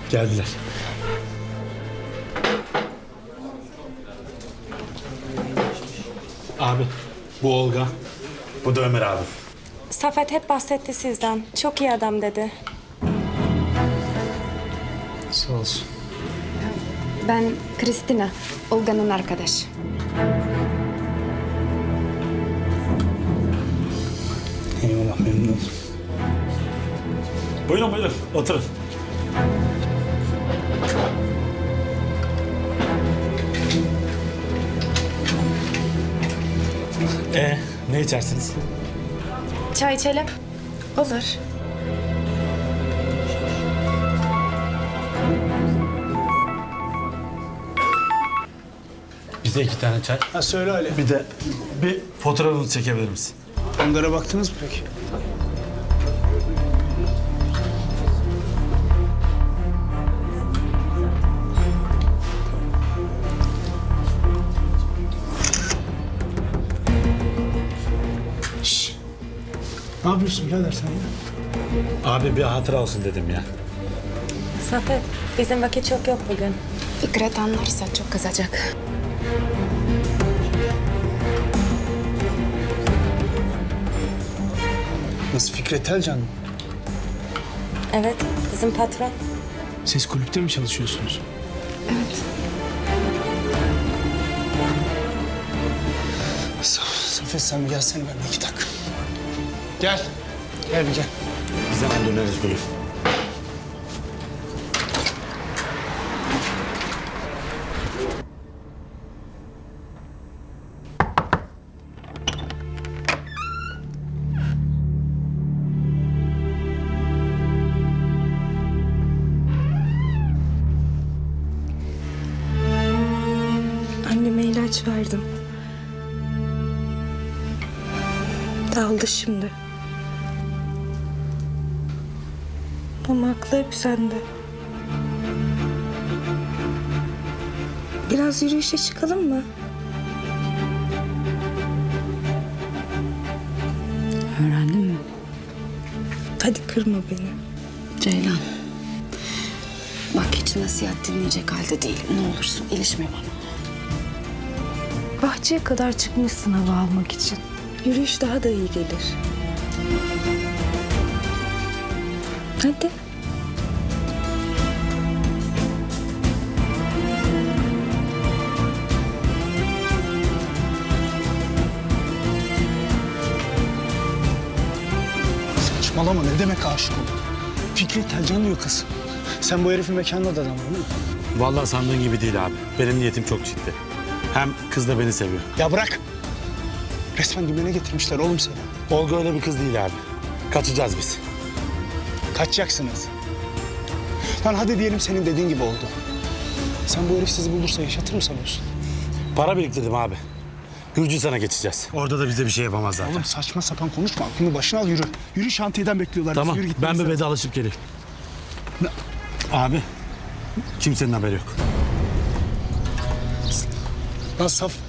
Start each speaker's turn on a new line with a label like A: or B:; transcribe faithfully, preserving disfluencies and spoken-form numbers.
A: Geldiler. Abi, bu Olga. Bu da Ömer abi.
B: Safet hep bahsetti sizden. Çok iyi adam dedi.
A: Sağ olsun.
C: Ben Kristina, Olga'nın arkadaşı.
A: Eyvallah, memnun oldum. Buyurun buyurun, oturun. Ee, ne içersiniz?
B: Çay içelim.
C: Olur.
A: Bize iki tane çay.
D: Ha söyle Ali.
A: Bir de bir fotoğrafınızı çekebilir misin?
D: Onlara baktınız mı peki? Şşş. Ne yapıyorsun birader sen ya?
A: Abi bir hatıra olsun dedim ya.
B: Safet, bizim vakit çok yok bugün.
C: Fikret anlarsa çok kızacak.
D: Nasıl Fikret Elcan mı?
B: Evet, bizim patron.
D: Siz kulüpte mi çalışıyorsunuz?
C: Evet.
D: Saf, Safet sen bir gelsene benimle iki dakika. Gel. Gel bir gel.
A: Biz hemen döneriz Gülü.
B: Anneme ilaç verdim. Daldı şimdi. Ama aklı hep sende. Biraz yürüyüşe çıkalım mı?
C: Öğrendin mi?
B: Hadi kırma beni.
C: Ceylan. Bak hiç nasihat dinleyecek halde değilim. Ne olursun ilişme bana.
B: Bahçeye kadar çıkmışsın hava almak için. Yürüyüş daha da iyi gelir. Hadi.
D: Saçmalama ne demek aşık oldun? Fikret Elcan diyor kız. Sen bu herifin mekanında da adam değil mi?
A: Vallahi sandığın gibi değil abi. Benim niyetim çok ciddi. Hem kız da beni seviyor.
D: Ya bırak. Resmen dümene getirmişler oğlum seni.
A: Olga öyle bir kız değil abi. Kaçacağız biz.
D: Kaçacaksınız. Lan hadi diyelim senin dediğin gibi oldu. Sen bu herif sizi bulursa yaşatır mı sanıyorsun?
A: Para biriktirdim abi. Gürcistan'a geçeceğiz. Orada da bize bir şey yapamaz zaten.
D: Oğlum saçma sapan konuşma. Aklını başına al yürü. Yürü şantiyeden bekliyorlar.
A: Tamam,
D: Yürü,
A: ben
D: gitmemiz
A: bir
D: lazım.
A: vedalaşıp geleyim. Abi, kimsenin haberi yok.
D: Lan saf.